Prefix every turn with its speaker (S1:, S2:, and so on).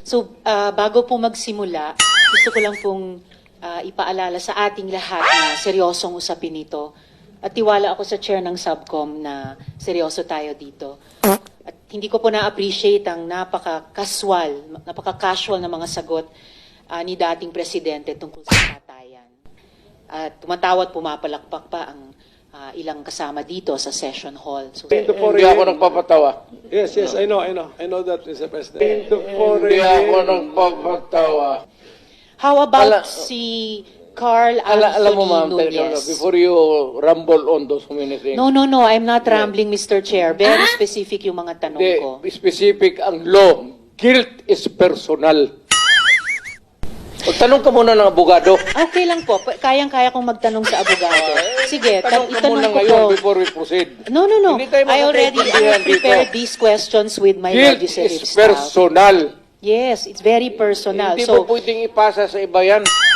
S1: So, bago po magsimula, gusto ko lang pong ipaalala sa ating lahat na seryosong usapin ito. At tiwala ako sa chair ng subcom na seryoso tayo dito. At hindi ko po na-appreciate ang napaka-casual na mga sagot ni dating presidente tungkol sa patayan. At tumatawa at pumapalakpak pa ang ilang kasama dito sa session hall. So,
S2: Hindi ako nagpapatawa.
S3: Yes, I know that, Mr. President.
S2: Hindi ako nagpapatawa.
S1: how about si Carl
S2: Alam mo,
S1: Anthony
S2: ma'am,
S1: Nunez?
S2: before you rumble on those many things,
S1: No, I'm not rambling, Mr. Chair. Very specific yung mga tanong ko.
S2: specific ang law. Guilt is personal. Magtanong ka muna ng abogado.
S1: Okay lang po. Kayang-kaya kong magtanong sa abogado. Sige,
S2: Tanong ka
S1: itanong
S2: muna
S1: ko po.
S2: ngayon before we proceed.
S1: No.
S2: Hindi tayo
S1: I already
S2: magkakaintindihan
S1: prepared
S2: dito.
S1: these questions with my
S2: Guilt
S1: legislative
S2: is
S1: staff.
S2: personal.
S1: Yes, it's very personal.
S2: Hindi
S1: So,
S2: mo pwedeng ipasa sa iba yan.